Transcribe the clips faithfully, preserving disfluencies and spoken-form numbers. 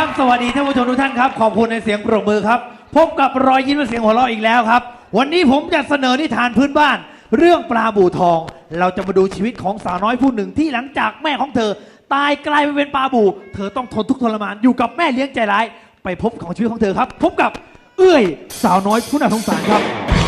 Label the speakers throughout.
Speaker 1: ครับสวัสดีท่านผู้ชมทุกท่านครับขอบคุณในเสียงปรบมือครับพบกับรอยยิ้มและเสียงหัวเราะอีกแล้วครับวันนี้ผมจะเสนอนิทานพื้นบ้านเรื่องปลาบู่ทองเราจะมาดูชีวิตของสาวน้อยผู้หนึ่งที่หลังจากแม่ของเธอตายกลายไปเป็นปลาบู่เธอต้องทนทุกข์ทรมานอยู่กับแม่เลี้ยงใจร้ายไปพบของชีวิตของเธอครับพบกับเอื้อยสาวน้อยผู้น่าสงสารครับ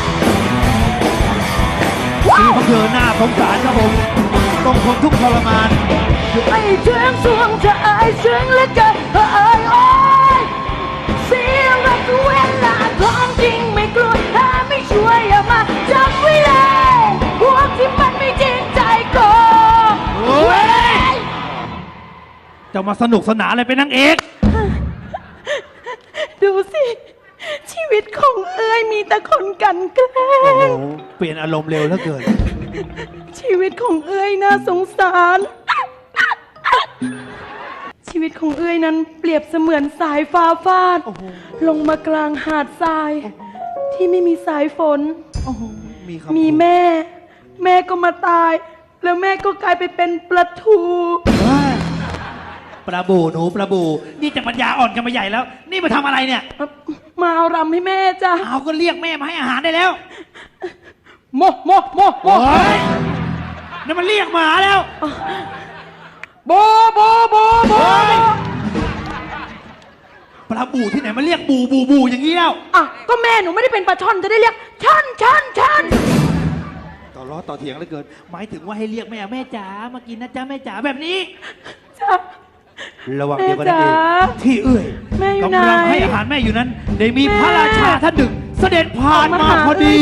Speaker 1: ชีวิตของเธอน่าสงสารครับผมต้องทนทุกข์ทรมาน
Speaker 2: ไม่เชื่องสวงจะอายเชื่องเหลือเกินเอ้ยโอ้ยเสียรักเวลาของจริงไม่กลัวถ้าไม่ช่วยอย่ามาจับไว้เลยพวกที่มันไม่จริงใจโกงเว้ย
Speaker 1: จะมาสนุกสนานอะไรเป็นนางเอก
Speaker 2: ดูสิชีวิตของเอ้ยมีแต่คนกันแกล้
Speaker 1: โอ้โห
Speaker 2: ง
Speaker 1: เปลี่ยนอารมณ์เร็วเหลือเกิน
Speaker 2: ชีวิตของเอ้ยน่าสงสารชีวิตของเอ้ยนั้นเปรียบเสมือนสายฟ้าฟาดลงมากลางหาดทรายที่ไม่มีสายฝน
Speaker 1: มี
Speaker 2: มีแม่แม่ก็มาตายแล้วแม่ก็กลายไปเป็นปลาทู
Speaker 1: ปลาบูหนูปลาบูนี่จะปัญญาอ่อนกันมาใหญ่แล้วนี่มาทำอะไรเนี่ย
Speaker 2: มาเอารำให้แม่จ้ะ
Speaker 1: เอาก็เรียกแม่มาให้อาหารได้แล้ว
Speaker 2: โมโมโมโม
Speaker 1: นั่นมันเรียกหมาแล้ว
Speaker 2: โบโบโบโบ
Speaker 1: ปลาบูที่ไหนมาเรียกบูบูบูอย่างนี้แล้ว
Speaker 2: อ่ะก็แม่หนูไม่ได้เป็นปลาช่อนจะได้เรียกช่อนช่อนช่อน
Speaker 1: ต่อล้อต่อเถียงเลยเกินหมายถึงว่าให้เรียกแม่แม่จ๋ามากินนะจ๊ะแม่จ๋าแบบนี้
Speaker 2: จ้ะ
Speaker 1: ระหว่างเดียวกันนั่นเองที่เอื้อยกำลังให้อาหารแม่อยู่นั้นได้มีพระราชาท่านหนึ่งเสด็จผ่านมาพอดี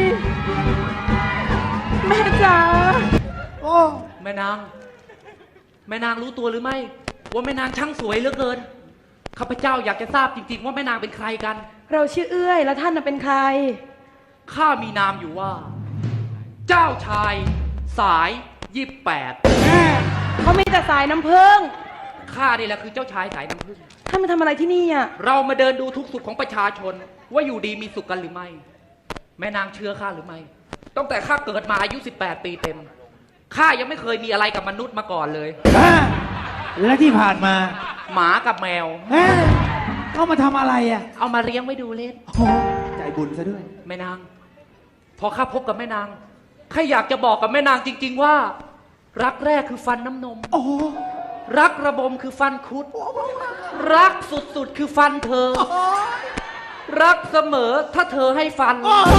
Speaker 2: แม่จ๋า
Speaker 3: โอ้แม่นางแม่นางรู้ตัวหรือไม่ว่าแม่นางช่างสวยเหลือเกินข้าพเจ้าอยากจะทราบจริงๆว่าแม่นางเป็นใครกัน
Speaker 2: เราชื่อเอื้อยแล้วท่านเป็นใคร
Speaker 3: ข้ามีนามอยู่ว่าเจ้าชายสายยี่สิบแปด
Speaker 2: เขามีแต่สายน้ำผึ้ง
Speaker 3: ข้านี่แหละคือเจ้าชายสายน้ำผึ้ง
Speaker 2: ท่านมาทำอะไรที่นี่อ่ะ
Speaker 3: เรามาเดินดูทุกสุขของประชาชนว่าอยู่ดีมีสุขกันหรือไม่แม่นางเชื่อข้าหรือไม่ตั้งแต่ข้าเกิดมาอายุสิบแปดปีเต็มข้ายังไม่เคยมีอะไรกับมนุษย์มาก่อนเลย
Speaker 1: และที่ผ่านมา
Speaker 3: หมากับแมว
Speaker 1: เขามาทำอะไรอ่ะ
Speaker 3: เอามาเลี้ยงไว้ดูเล่น
Speaker 1: ใจบุญซะด้วย
Speaker 3: แม่นางพอข้าพบกับแม่นางข้าอยากจะบอกกับแม่นางจริงๆว่ารักแรกคือฟันน้ำนมรักระบมคือฟันคุดรักสุดๆคือฟันเธอรักเสมอถ้าเธอให้ฟัน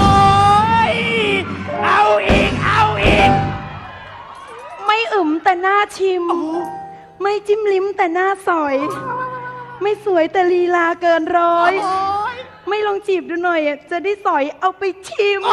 Speaker 1: เอาอีกเอาอีก
Speaker 2: ไม่อึมแต่หน้าชิมไม่จิ้มลิ้มแต่หน้าสอยไม่สวยแต่ลีลาเกินร้อยไม่ลองจีบดูหน่อยจะได้สอยเอาไปชิม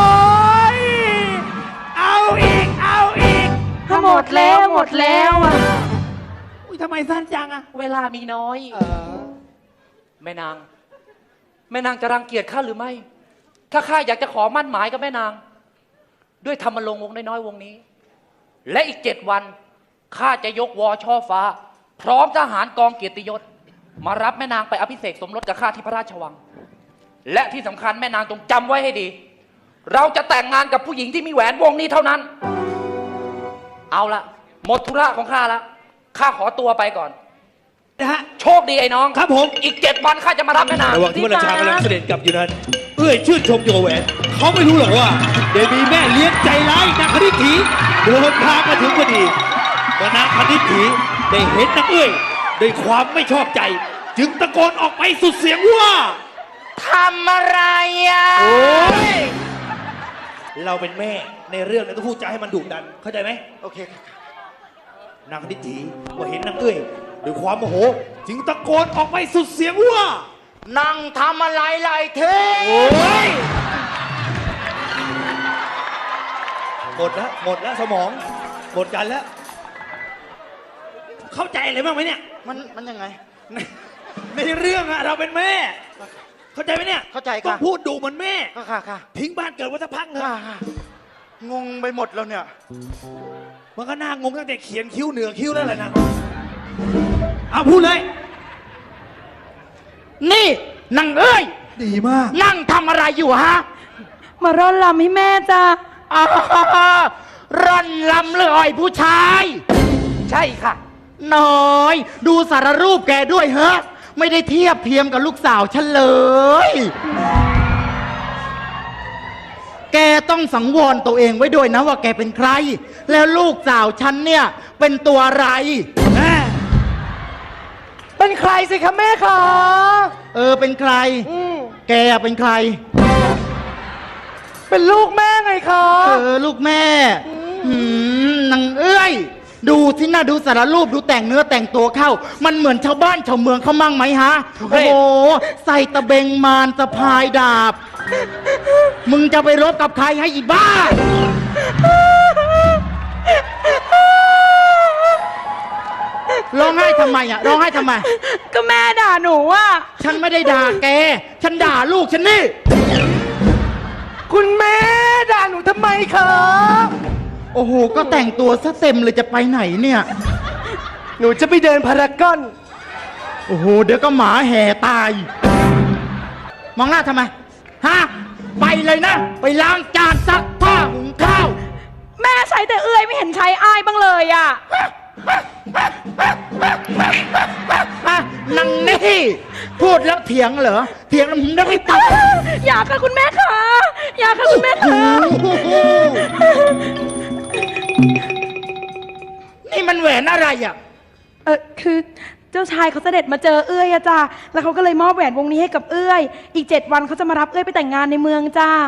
Speaker 1: เอาอีกเอาอีก
Speaker 2: ถ้าหมดแล้วหมดแล้วอ่ะ
Speaker 1: อุ้ยทำไมสั้นจังอ่ะ
Speaker 3: เวลามีน้อยแม่นางแม่นางจะรังเกียจข้าหรือไม่ถ้าข้าอยากจะขอมั่นหมายกับแม่นางด้วยธรรมรงค์วงน้อยๆวงนี้และอีกเจ็ดวันข้าจะยกวอช่อฟ้าพร้อมทหารกองเกียรติยศมารับแม่นางไปอภิเษกสมรสกับข้าที่พระราชวังและที่สำคัญแม่นางจงจำไว้ให้ดีเราจะแต่งงานกับผู้หญิงที่มีแหวนวงนี้เท่านั้นเอาละหมดธุระของข้าแล้วข้าขอตัวไปก่อน
Speaker 1: นะฮะ
Speaker 3: โชคดีไอ้น้อง
Speaker 1: ครับผม
Speaker 3: อีกเจ็ดวันข้าจะมารับแม่นาง
Speaker 1: ระหว่างที่พระราชากำลังเสด็จกลับอยู่นั้นเอื้อยชื่นชมโยแหวนเขาไม่รู้หรอกว่าเดี๋ยวมีแม่เลี้ยงใจร้ายนางคณิตถีเดินทางมาถึงพอดีเมื่อนางคณิตถีได้เห็นนางเอื้อยด้วยความไม่ชอบใจจึงตะโกนออกไปสุดเสียงว่า
Speaker 3: ทำอะไรอ่ะ
Speaker 1: โอ้ยเราเป็นแม่ในเรื่องเราต้องพูดจาให้มันดุดันเข้าใจไหมโอเคนางคณิตถีพอเห็นนางเอื้อยด้วยความโมโหจึงตะโกนออกไปสุดเสียงว่า
Speaker 3: นั่งทำอะไรไรเท
Speaker 1: โอ้ยหมดแล้วหมดแล้วสมองหมดกันแล้วเข้าใจอะไรบ้างไหมเนี่ย
Speaker 3: มันมันยังไง
Speaker 1: ในในเรื่องอะเราเป็นแม่เข้าใจไหมเนี่ย
Speaker 3: เข้าใจค่ะ
Speaker 1: ต้องพูดดูเหมือนแม่
Speaker 3: ค่ะค่ะ
Speaker 1: ทิ้งบ้านเกิดวัฏพังเถอะ
Speaker 3: งงไปหมดแล้วเนี่ย
Speaker 1: มันก็น่างงตั้งแต่เขียนคิ้วเหนือคิ้วแล้วแหละนะเอาพูดเลย
Speaker 3: นี่นางเอ้ย
Speaker 1: ดีมาก
Speaker 3: นั่งทำอะไรอยู่ฮะ
Speaker 2: มาร่อนลำให้แม่จ้า
Speaker 3: ร่อนลำเลยผู้ชายใช่ค่ะน้อยดูสารรูปแกด้วยเฮ้
Speaker 4: ไม่ได้เทียบเทียมกับลูกสาวฉันเลย แกต้องสังวรตัวเองไว้ด้วยนะว่าแกเป็นใคร แล้วลูกสาวฉันเนี่ยเป็นตัวอะไร
Speaker 2: เป็นใครสิคะแม่คะ
Speaker 4: เออเป็นใคร
Speaker 2: อืม
Speaker 4: แกเป็นใคร
Speaker 2: เป็นลูกแม่ไงคะ
Speaker 4: เออลูกแม่หืมนางเอ้ย ดูที่หน้าดูสารรูปดูแต่งเนื้อแต่งตัวเข้า มันเหมือนชาวบ้านชาวเมืองเขามั่งไหมฮะ โอ้โห ใส่ตะเบงมารสะพายดาบ มึงจะไปรบกับใครให้อีบ้า ร้องไห้ทำไมอ่ะ ร้องไห้ทำไม
Speaker 2: ก็แม่ด่าหนูอ่ะ
Speaker 4: ฉันไม่ได้ด่าแก ฉันด่าลูกฉันนี่
Speaker 2: คุณแม่ด่าหนูทำไมคะ
Speaker 4: โอ้โห ก็แต่งตัวซะเต็มเลยจะไปไหนเนี่ย
Speaker 2: หนูจะไปเดินพารากอน
Speaker 4: โอ้โห เดี๋ยวก็หมาแห่ตาย มองหน้าทำไม ฮะ ไปเลยนะ ไปล้างจานซักผ้าหุงข้าว
Speaker 2: แม่ใช้แต่เอื้อยไม่เห็นใช้อ้ายบ้างเลยอ่ะ
Speaker 4: อ่ะนังนี่ พูดแล้วเถียงเหรอ เถียงแล้วมึงได้ไม่ตัด
Speaker 2: อยากค่ะคุณแม่คะอยากค่ะคุณแม่คะ
Speaker 4: นี่มันแหวนอะไรอ่ะ
Speaker 2: เออคือเจ้าชายเขาเสด็จมาเจอเอื้อยอะจ้าแล้วเขาก็เลยมอบแหวนวงนี้ให้กับเอื้อย อีกเจ็ดวันเขาจะมารับเอื้อยไปแต่งงานในเมืองจ้า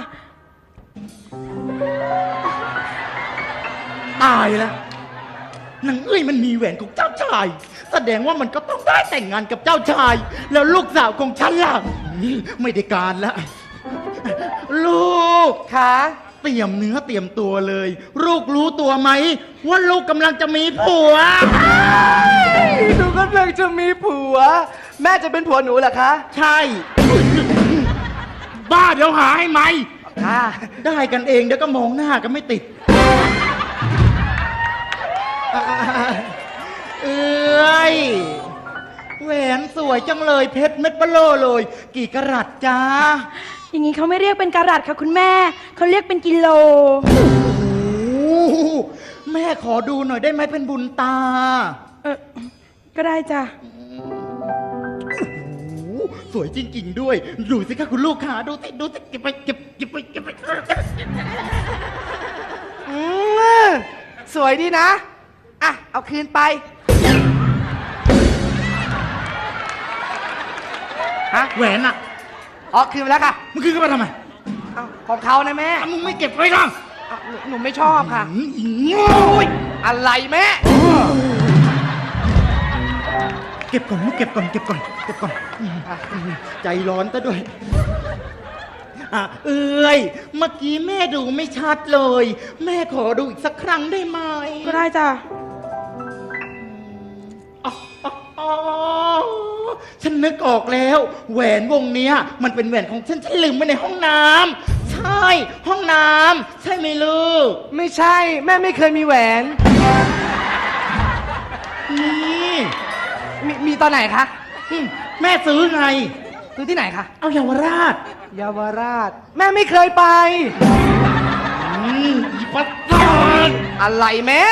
Speaker 4: ตายแล้วนางเอ้ยมันมีแหวนของเจ้าชาย แสดงว่ามันก็ต้องได้แต่งงานกับเจ้าชาย แล้วลูกสาวของฉันล่ะนี่ไม่ได้การแล้ว ลูก
Speaker 2: ค่ะ
Speaker 4: เตรียมเนื้อเตรียมตัวเลย ลูกรู้ตัวไหม ว่าลูกกำลังจะมีผัว
Speaker 2: หนูกำลังจะมีผัว แม่จะเป็นผัวหนูเหรอคะ
Speaker 4: ใช่ บ้าเดี๋ยวหาให้ไหม
Speaker 2: ค่ะ
Speaker 4: ได้กันเองเดี๋ยวก็มองหน้ากันไม่ติด เอ้ยแหวนสวยจังเลยเพชรเม็ดเบลอเลย กี่กะรัตจ้า
Speaker 2: อย่างนี้เขาไม่เรียกเป็นการัตค่ะคุณแม่ เขาเรียกเป็นกิโล
Speaker 4: โอ้โหแม่ขอดูหน่อยได้ไหมเป็นบุญตา
Speaker 2: เออก็ได้จ้ะ
Speaker 4: โอ้โหสวยจริงๆด้วย ดูสิคะคุณลูกค้าดูสิดูสิเก็บไปเก็บเก็บไปเก็บไป
Speaker 2: อืมสวยดีนะ อ่ะ เอาคืนไป ฮะ
Speaker 4: แหวนอ่ะ
Speaker 2: อ๋อคืนไปแล้วค่ะ
Speaker 4: มึงคืนกันมาทำไม
Speaker 2: เอาของเขานะแม่
Speaker 4: อ่ะมึงไม่เก็บไว้หรอ
Speaker 2: เอาหนูหนูไม่ชอบค่ะ
Speaker 4: อืมอีโง่ย
Speaker 2: อะไรแม่
Speaker 4: เก็บก่อนลูกเก็บก่อนเก็บก่อนเก็บก่อนอืมอืมใจร้อนซะด้วยอ่ะเอ้ยเมื่อกี้แม่ดูไม่ชัดเลย แม่ขอดูอีกสักครั้งได้ไหม
Speaker 2: ก็ได้จ้ะ
Speaker 4: อ๋ออ๋ออ๋อฉันนึกออกแล้ว แหวนวงเนี้ย มันเป็นแหวนของฉันฉันลืมไว้ในห้องน้ำใช่ ห้องน้ำใช่ไหมลูก
Speaker 2: ไม่ใช่ แม่ไม่เคยมีแหวน
Speaker 4: นี่
Speaker 2: มีมีตอนไหนคะ
Speaker 4: อืมแม่ซื้อไง
Speaker 2: ซื้อที่ไหนคะ
Speaker 4: เอาเยาวราช
Speaker 2: เยาวราช แม่ไม่เคยไป
Speaker 4: อืมอีปัสสาท
Speaker 2: อะไรแม่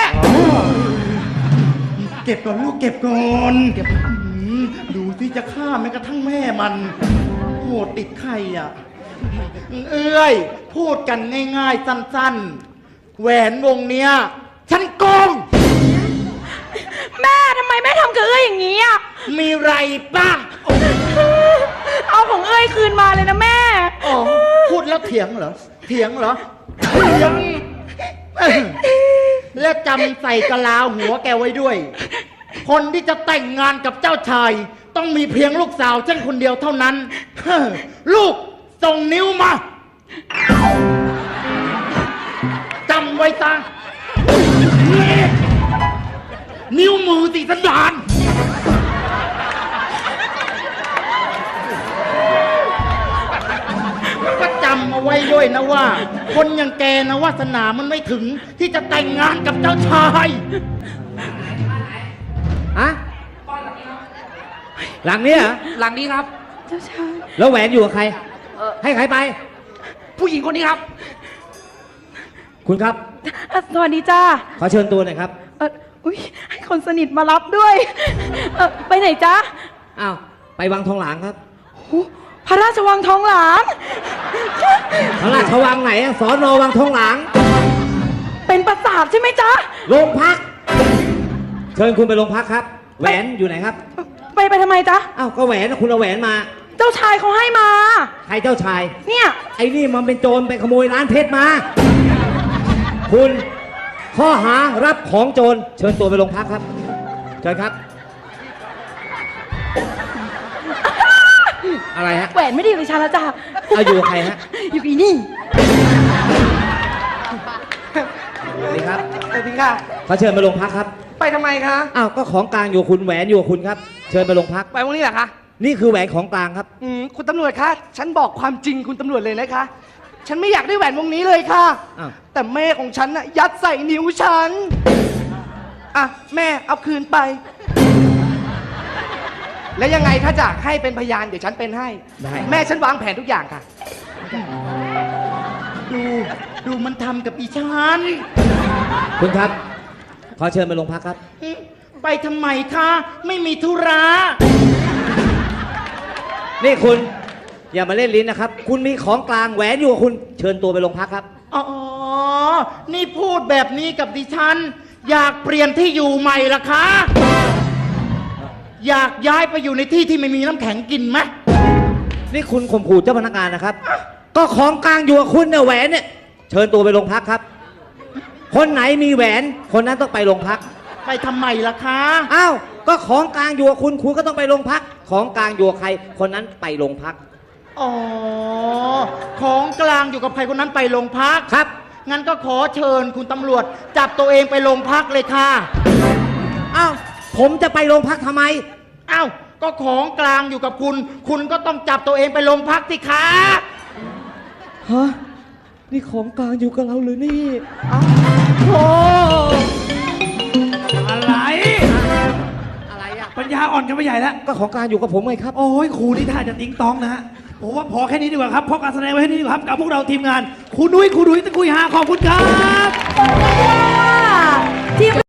Speaker 4: เก็บก่อนลูกเก็บก่อนเก็บดูที่จะฆ่าแม้กระทั่งแม่มันโหดติดไข่อ่ะ เอ้ย พูดกันง่ายๆ สั้นๆ แหวนวงเนี้ย ฉันโกง
Speaker 2: แม่ทำไมแม่ทำกับเอ้ยอย่างนี้อ่ะ
Speaker 4: มีไรป่ะ
Speaker 2: เอาของเอ้ยคืนมาเลยนะแม่
Speaker 4: อ๋อพูดแล้วเถียงเหรอ เถียงเหรอ เถียง และจำใส่กะลาหัวแกไว้ด้วย คนที่จะแต่งงานกับเจ้าชาย ต้องมีเพียงลูกสาวฉันคนเดียวเท่านั้น เฮ้อลูกส่งนิ้วมาจำไว้ซะนิ้วมือติสันดานก็จำเอาไว้ด้วยนะว่า คนอย่างแกนะวาสนามันไม่ถึงที่จะแต่งงานกับเจ้าชาย
Speaker 5: อะหลังนี้เหรอ
Speaker 3: หลังนี้ครับ
Speaker 2: เจ้าชาย
Speaker 5: แล้วแหวนอยู่กับใคร
Speaker 3: เออ
Speaker 5: ให้ใครไป
Speaker 3: ผู้หญิงคนนี้ครับ
Speaker 5: คุณครับ
Speaker 2: อ่ะสวัสดีจ้า
Speaker 5: ขอเชิญตัวหน่อยครับ
Speaker 2: เอออุ้ยให้คนสนิทมารับด้วย เออไปไหนจ๊ะ
Speaker 5: อ้าวไปวังทองหลางครับ
Speaker 2: พระราชวังทองหลาง
Speaker 5: พระราชวังไหนอะสอนอวังทองหลาง
Speaker 2: เป็นปราสาทใช่ไหมจ๊ะ
Speaker 5: โรงพัก เชิญคุณไปโรงพักครับ แหวนอยู่ไหนครับ
Speaker 2: ไปไปทำไมจ๊ะ
Speaker 5: อ้าวก็แหวนนะคุณเอาแหวนมา
Speaker 2: เจ้าชายเขาให้มา
Speaker 5: ใครเจ้าชาย
Speaker 2: เนี่ย
Speaker 5: ไอ้นี่มันเป็นโจรไปขโมยร้านเพชรมา คุณข้อหารับของโจรเชิญตัวไปโรงพักครับ เชิญครับ อะไรฮะ
Speaker 2: แหวนไม่ได้อยู่ในชาละจ้ะ
Speaker 5: เอาอยู่กับใครฮะ
Speaker 2: อยู่กับอีนี่
Speaker 5: สวัสดีครับ
Speaker 6: สวัสดีค่ะ
Speaker 5: ขอเชิญไปโรงพักครับ
Speaker 6: ไปทำไมคะ
Speaker 5: อ้าวก็ของกลางอยู่กับคุณแหวนอยู่กับคุณครับ เชิญไปโรงพัก
Speaker 6: ไปวันนี้เหรอคะ
Speaker 5: นี่คือแหวนของกลางครับ
Speaker 6: อืมคุณตำรวจคะ ฉันบอกความจริงคุณตำรวจเลยนะคะ ฉันไม่อยากได้แหวนวงนี้เลยค่ะ
Speaker 5: อ้าว
Speaker 6: แต่แม่ของฉันน่ะยัดใส่นิ้วฉัน อ่ะแม่เอาคืนไป แล้วยังไงถ้าจะให้เป็นพยานเดี๋ยวฉันเป็นให้
Speaker 5: ได้
Speaker 6: แม่ฉันวางแผนทุกอย่างค่ะ
Speaker 4: ดูดูมันทำกับอีฉัน
Speaker 5: คุณครับ ขอเชิญไปโรงพักครับ
Speaker 4: ไปทำไมคะไม่มีธุระ
Speaker 5: นี่คุณ อย่ามาเล่นลิ้นนะครับ คุณมีของกลางแหวนอยู่กับคุณ เชิญตัวไปโรงพักครับ
Speaker 4: อ๋อ นี่พูดแบบนี้กับดิฉัน อยากเปลี่ยนที่อยู่ใหม่ละคะ อยากย้ายไปอยู่ในที่ที่ไม่มีน้ำแข็งกินไหม
Speaker 5: นี่คุณข่มขู่เจ้าพนักงานนะครับ ก็ของกลางอยู่กับคุณเนี่ยแหวนเนี่ย เชิญตัวไปโรงพักครับ คนไหนมีแหวน คนนั้นต้องไปโรงพัก
Speaker 4: ไปทำไมล่ะคะ
Speaker 5: อ้าว ก็ของกลางอยู่กับคุณ คุณก็ต้องไปโรงพัก ของกลางอยู่กับใคร คนนั้นไปโรงพัก
Speaker 4: อ๋อ ของกลางอยู่กับใครคนนั้นไปโรงพัก
Speaker 5: ครับ
Speaker 4: งั้นก็ขอเชิญคุณตำรวจ จับตัวเองไปโรงพักเลยค่ะ
Speaker 5: อ้าว ผมจะไปโรงพักทำไม
Speaker 4: อ้าว ก็ของกลางอยู่กับคุณ คุณก็ต้องจับตัวเองไปโรงพักสิคะ
Speaker 5: ฮะ นี่ของกลางอยู่กับเราเลยนี่
Speaker 4: โอ้
Speaker 1: อะไร
Speaker 5: อะไรอ่ะ
Speaker 1: ปัญญาอ่อนกันไปใหญ่แล้ว
Speaker 5: ก็ของกลางอยู่กับผมไงครับ
Speaker 1: โอ้ยครูนี่ท่าจะติ้งต้องนะฮะผมว่าพอแค่นี้ดีกว่าครับเพราะการแสดงไว้แค่นี้ดีกว่าครับกับพวกเราทีมงานครูนุ้ยครูดุ้ยตะกุยหาขอบคุณครับ
Speaker 2: ทีม